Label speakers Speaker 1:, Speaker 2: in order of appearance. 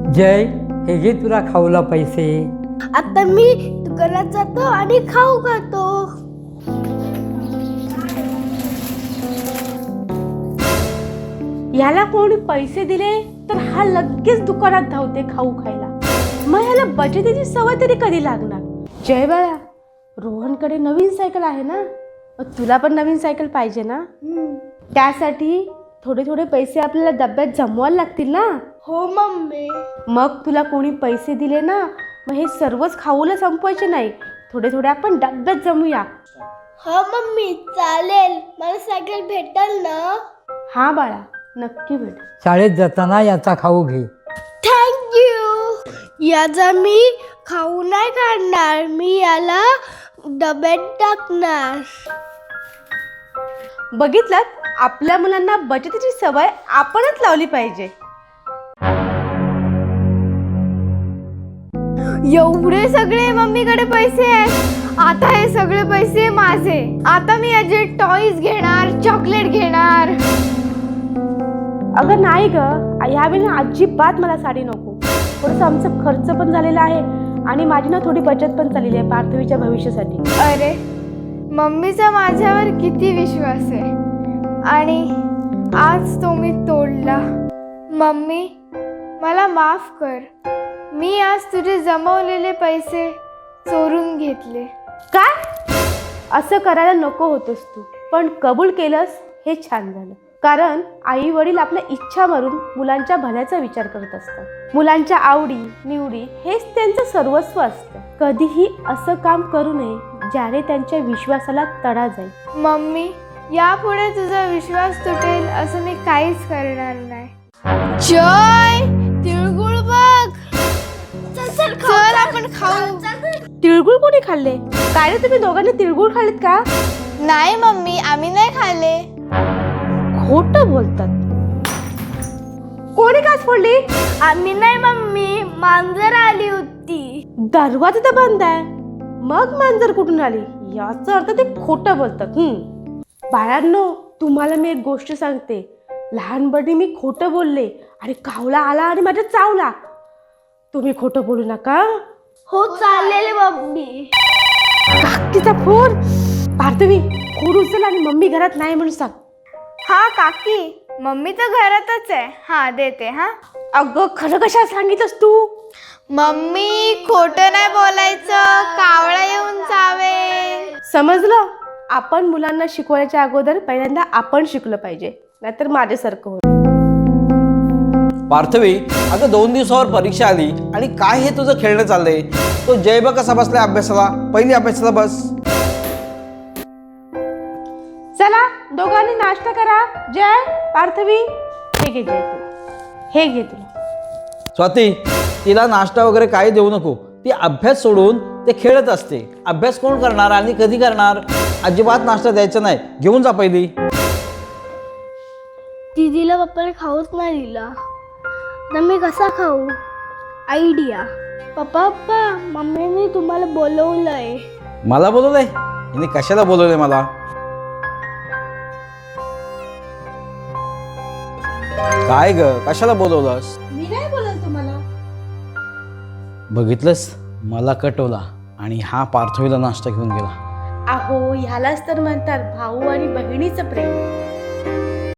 Speaker 1: जय, हे घे तुला खाऊला पैसे.
Speaker 2: आता मी दुकानात जातो आणि खाऊ खातो.
Speaker 3: याला कोणी पैसे दिले तर हा लगेच दुकानात धावते खाऊ खायला. मग ह्याला बचतीची सवय तरी कधी लागणार? जय बाळा, रोहनकडे नवीन सायकल आहे ना, मग तुला पण नवीन सायकल पाहिजे ना. त्यासाठी थोडे थोडे पैसे आपल्याला डब्यात जमवायला लागतील ना.
Speaker 2: हो मम्मी.
Speaker 3: मग तुला कोणी पैसे दिले ना, मग हे सर्वच खाऊला संपवायचे नाही, थोडे थोडे आपण डब्यात जमूया.
Speaker 2: हो मम्मी, चालेल. मला सायकल भेटेल ना?
Speaker 3: हा बाळा, नक्की भेट.
Speaker 1: शाळेत जाताना याचा खाऊ घे.
Speaker 2: थँक्यू. याचा मी खाऊ नाही काढणार, मी याला डब्यात टाकणार.
Speaker 3: बघितलं, आपल्या मुलांना बचतीची सवय आपणच लावली पाहिजे.
Speaker 2: एवढे सगळे मम्मीकडे पैसे आहेत. आता हे सगळे पैसे माझे. आता मी याचे टॉयज घेणार, चॉकलेट घेणार.
Speaker 3: अगं नाही ग, यावेळी अजिबात मला साडी नको. थोडंसं आमचं खर्च पण झालेला आहे आणि माझी ना थोडी बचत पण चाललेली आहे पार्थवीच्या भविष्यासाठी.
Speaker 2: अरे, मम्मीचा माझ्यावर किती विश्वास आहे आणि आज तो मी तोडला. मम्मी, मला माफ कर. मी आज तुझे जमवलेले पैसे चोरून घेतले.
Speaker 3: काय? असं करायला नको होतंस तू, पण कबूल केलंस हे छान झालं. कारण आई वडील आपल्या इच्छा मारून मुलांच्या भल्याचा विचार करत असतात. मुलांच्या आवडी निवडी हेच त्यांचं सर्वस्व असतं. कधीही असं काम करू नये ज्याने त्यांच्या विश्वासाला तडा जाईल.
Speaker 2: मम्मी, यापुढे तुझा विश्वास तुटेल असं मी काहीच करणार नाही. जय, तिळगुळ बघ. चल आपण खाऊ.
Speaker 3: तिळगुळ कोणी खाल्ले? काय रे, तुम्ही दोघांनी तिळगुळ खाल्लेत का?
Speaker 2: नाही मम्मी, आम्ही नाही खाल्ले.
Speaker 3: खोटं बोलतात. कोणी काच फोडली?
Speaker 2: आम्ही नाही मम्मी, मांजर आली होती.
Speaker 3: दरवाजा तर बंद आहे, मग मांजर कुठून आली? याचा अर्थ ते खोटं बोलतात. बाळांनो, तुम्हाला मी एक गोष्ट सांगते. लहानपणी मी खोटं बोलले आणि कावळा आला आणि माझ्या चावला. तुम्ही खोटं बोलू नका.
Speaker 2: हो चालेल मम्मी.
Speaker 3: काकीचा फोन. पार्थवी, फोन उचल आणि मम्मी घरात नाही म्हणून सांग.
Speaker 2: हा काकी, मम्मी तर घरातच आहे. हा देते. हा
Speaker 3: अगं, खरं कशा सांगितलंस तू?
Speaker 2: मम्मी, खोटं नाही बोलायचं, कावळा येऊन चावेल.
Speaker 3: समजलं? आपण मुलांना शिकवायच्या अगोदर पहिल्यांदा आपण शिकलं पाहिजे, नाहीतर माझ्यासारखं होतं.
Speaker 4: पार्थवी, अगं 2 दिवसावर परीक्षा आली आणि काय हे तुझं खेळणं चाललंय? तो जय बघ कसा बसलाय अभ्यासाला. पहिली अभ्यासाला बस.
Speaker 3: चला, दोघांनी नाश्ता करा. जय, पार्थवी, हे घे जय, तू हे घे तुला.
Speaker 4: स्वाती, तिला नाश्ता वगैरे काही देऊ नको. ती अभ्यास सोडून ते खेळत असते. अभ्यास कोण करणार आणि कधी करणार? अजिबात नाश्ता द्यायचा नाही. घेऊन जा पहिली.
Speaker 2: दीदीला पप्पाने खाऊच नाही दिला, तर मी कसा खाऊ? आयडिया. पप्पा, मम्मीने तुम्हाला बोलवलंय.
Speaker 4: मला बोलवलंय? हिने कशाला बोलवलंय मला? काय ग, कशाला बोलवलंस?
Speaker 3: मी नाही बोलत तुम्हाला.
Speaker 4: बघितलंस, मला कटवला आणि हा पार्थवीला नाश्ता घेऊन गेला.
Speaker 3: अहो, ह्यालाच तर म्हणतात भाऊ आणि बहिणीचं प्रेम.